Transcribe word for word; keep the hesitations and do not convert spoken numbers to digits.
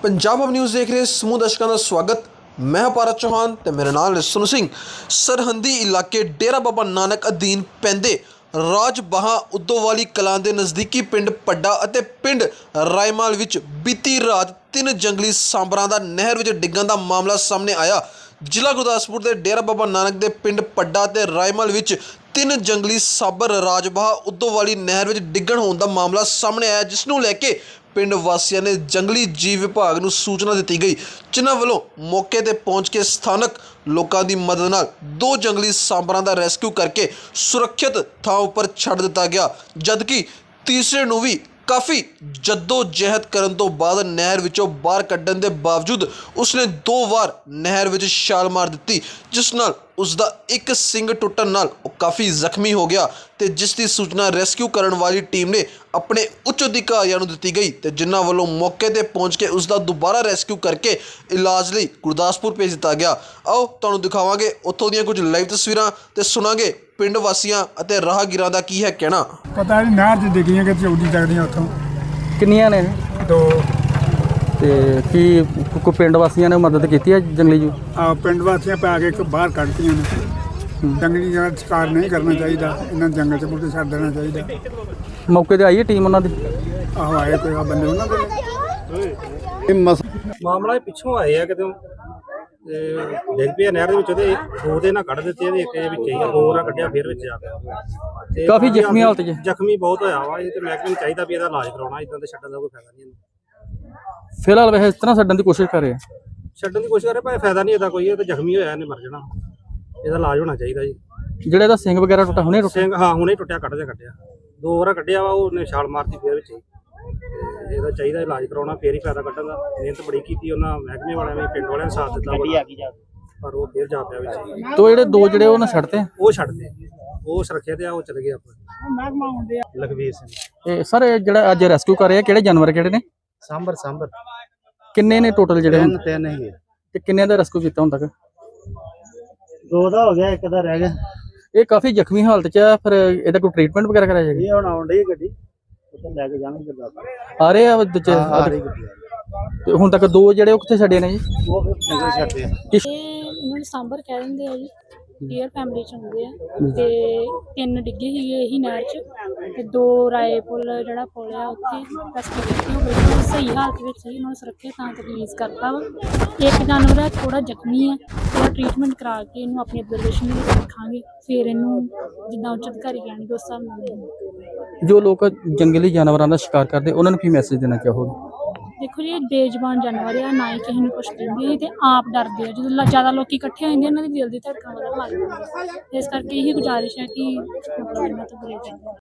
Punjab hub news देख रहे समूह दर्शकों का स्वागत। मैं भारत चौहान ते मेरा नाम है सोनू सिंह। सरहदी इलाके डेरा बाबा नानक अधीन पैंदे राजबाहा उदोवाली कलां दे नज़दीकी पिंड पड्डा अते पिंड रायमाल विच बीती रात तीन जंगली सांबरां दा नहर विच डिग्गण दा मामला सामने आया। जिला गुरदासपुर के डेरा बाबा नानक के पिंड पड्डा ते रायमल विच तीन जंगली साबर राजबाहा उदोवाली नहर विच डिग्गण होने का मामला सामने आया, जिसनूं लैके पिंड वासियों ने जंगली जीव विभाग नूं सूचना दी गई, जिन्हां वल्लों मौके ते पहुंच के स्थानक लोगों की मदद नाल दो जंगली सांबरां दा रेस्क्यू करके सुरक्षित थां उपर छड्ड दिता गया, जबकि तीसरे नूं भी काफ़ी जद्दोजहद करन तो बाद नहर विचों बाहर कड्ढण दे बावजूद उसने दो बार नहर विच छाल मार दी, जिस नाल उसका एक सिंग टुटन नाल काफ़ी जख्मी हो गया। तो जिसकी सूचना रेस्क्यू करने वाली टीम ने अपने उच्च अधिकारियों को दी गई, तो जिन्हों वालों मौके पर पहुँच के उसका दोबारा रेस्क्यू करके इलाज लिए गुरदासपुर भेज दिता गया। आओ तुहानूं दिखावांगे उत्थों दी कुछ लाइव तस्वीरां ते सुनांगे पिंड वासियां अते राहगीरां दा की है कहना। पता नहीं नहर च डिग्गियां कि चौड़ी चढ़दियां उत्थों किन्नियां ने दो ते की को पिंड वासियों ने मदद की है जंगली जू आ पिंड वासियां पै के बाहर कढ़तियां ने। जंगली जानवर शिकार नहीं करना चाहिए, इन्हें जंगल च मुझे छड्ड देना चाहिए। मौके ते आई है टीम उन्होंने आहो आए कोई बंदे उन्होंने मामला पिछों आए है कितों डिग पिया नहर दे विच ते दो दे ना कढ़ दित्ते ते एक विच ही दो ना कढ़िया फिर विच आ गया। काफी जख्मी हालत च जख्मी बहुत होया वा, ये ते महकमे नूं चाहीदा भी इहदा इलाज कराउणा, इदां ते छड्डण दा कोई फायदा नहीं। फिलहाल वैसे इस तरह छड्डण की कोशिश कर रहे हैं, छड्डण दी कोशिश करे पर फायदा नहीं इहदा कोई, ते जख्मी होया इहने मर जाना, इहदा इलाज होना चाहिदा जी। ਜਿਹੜੇ ਦਾ ਸਿੰਘ ਵਗੈਰਾ ਟੁੱਟਾ ਹੁਣੇ ਟੁੱਟਾ सिंह हाँ हुणे टुੱਟਿਆ ਕੱਢ ਦੇ ਕੱਢਿਆ ਦੋ ਵਾਰ ਕੱਢਿਆ ਵਾ, ਉਹਨੇ ਛਾਲ ਮਾਰਤੀ ਫਿਰ ਵਿੱਚ ਹੀ। ਇਹਦਾ ਚਾਹੀਦਾ ਇਲਾਜ ਕਰਾਉਣਾ, ਫੇਰ ਹੀ ਫਾਇਦਾ ਕੱਢਣ ਦਾ। ਮਿਹਨਤ ਬੜੀ ਕੀਤੀ ਉਹਨਾਂ ਮਹਿਕਮੇ ਵਾਲਿਆਂ ਨੇ, ਪਿੰਡ ਵਾਲਿਆਂ ਨੇ ਸਾਥ ਦਿੱਤਾ ਬੜਾ, ਪਰ ਉਹ ਫੇਰ ਜਾ ਪਿਆ ਵਿੱਚ। ਤੋ ਜਿਹੜੇ ਦੋ ਜਿਹੜੇ ਉਹਨਾਂ ਛੱਡਤੇ ਉਹ ਛੱਡਦੇ ਉਹ ਸੁਰੱਖਿਆ ਤੇ ਆ, ਉਹ ਚਲੇ ਗਏ ਆਪਾਂ। ਲਖਵੀਰ ਸਿੰਘ ਇਹ ਸਰ ਇਹ ਜਿਹੜਾ ਅੱਜ ਰੈਸਕਿਊ ਕਰ ਰਹੇ ਆ ਕਿਹੜੇ ਜਾਨਵਰ ਕਿਹੜੇ ਨੇ? ਸਾਂਬਰ ਸਾਂਬਰ ਕਿੰਨੇ ਨੇ ਟੋਟਲ ਜਿਹੜੇ ਹੁਣ? ਤਿੰਨ ਹੀ ਤੇ ਕਿੰਨੇ ਦਾ ਰੈਸਕਿਊ ਕੀਤਾ ਹੁਣ ਤੱਕ? ਦੋ ਦਾ ਹੋ ਗਿਆ, ਇੱਕ ਦਾ ਰਹਿ ਗਿਆ। ਇਹ ਕਾਫੀ ਜ਼ਖਮੀ ਹਾਲਤ 'ਚ ਹੈ, ਫਿਰ ਇਹਦਾ ਕੋਈ ਟ੍ਰੀਟਮੈਂਟ ਵਗੈਰਾ ਕਰਾਇਆ ਜਾਏਗਾ? ਇਹ ਹੁਣ ਆਉਣ ਡਈ ਗੱਡੀ, ਉੱਥੇ ਲੈ ਕੇ ਜਾਣਗੇ ਗੁਰਦਾਸਪੁਰ। ਆ ਰਹੇ ਆ ਦੂਜੇ ਆ ਰਹੀ ਗੱਡੀ ਤੇ ਹੁਣ ਤੱਕ ਦੋ ਜਿਹੜੇ ਉਹ ਕਿੱਥੇ ਛੱਡੇ ਨੇ ਜੀ? ਉਹ ਫਿਰ ਨਗਰ ਛੱਡਦੇ ਆ। ਕਿਸ- ਇਹ ਇਹਨਾਂ ਨੂੰ ਸਾਂਬਰ ਕਹਿ ਦਿੰਦੇ ਆ ਜੀ, ਡੀਅਰ ਫੈਮਿਲੀ ਚ ਹੁੰਦੇ ਆ। ਤੇ ਤਿੰਨ ਡਿੱਗੇ ਸੀਗੇ ਇਹੀ ਨਹਿਰ ਚ, ਤੇ ਦੋ ਰਾਏ ਪੁੱਲ ਜਿਹੜਾ ਪੁੱਲ ਆ ਉੱਥੇ ਰੈਸਕਿਊ ਕੀਤੀ, ਉਹ ਬਿਲਕੁਲ ਸਹੀ ਹਾਲਤ ਵਿੱਚ ਸੀ, ਉਹਨਾਂ ਨੂੰ ਸੁਰੱਖਿਅਤ ਥਾਂ ਤੇ ਰਿਲੀਜ਼ ਕਰਤਾ ਵਾ। ਇੱਕ ਜਾਨਵਰ ਹੈ ਥੋੜਾ ਜ਼ਖਮੀ ਹੈ, ਉਹਦਾ ਟ੍ਰੀਟਮੈਂਟ ਕਰਾ ਕੇ ਇਹਨੂੰ ਆਪਣੀ ਅਬਜ਼ਰਵੇਸ਼ਨ ਵਿੱਚ ਰੱਖਾਂਗੇ, ਫਿਰ ਇਹਨੂੰ ਜਿੱਦਾਂ ਉੱਚ ਅਧਿਕਾਰੀ ਕਹਿਣਗੇ ਉਸ ਹਿਸਾਬ ਨਾਲ ਦੇਵਾਂਗੇ। ਜੋ ਲੋਕ ਜੰਗਲੀ ਜਾਨਵਰਾਂ ਦਾ ਸ਼ਿਕਾਰ ਕਰਦੇ ਉਹਨਾਂ ਨੂੰ ਕੀ ਮੈਸੇਜ ਦੇਣਾ ਚਾਹੋਗੇ? ਦੇਖੋ ਜੀ, ਇਹ ਬੇਜ਼ਬਾਨ ਜਾਨਵਰ ਆ, ਨਾ ਹੀ ਕਿਸੇ ਨੂੰ ਕੁਛ ਦਿੰਦੇ ਆ, ਤੇ ਆਪ ਡਰਦੇ ਆ। ਜਦੋਂ ਲ- ਜ਼ਿਆਦਾ ਲੋਕੀ ਇਕੱਠੇ ਹੋ ਜਾਂਦੇ, ਇਹਨਾਂ ਦੀ ਦਿਲ ਦੀ ਧੜਕਣ ਵਧਣ ਲੱਗ ਜਾਂਦੀ ਹੈ। ਇਸ ਕਰਕੇ ਇਹੀ ਗੁਜ਼ਾਰਿਸ਼ ਹੈ ਕਿ ਮਤਲਬ ਇਹਨਾਂ ਤੋਂ ਬਚੇ ਰਹਿਣ।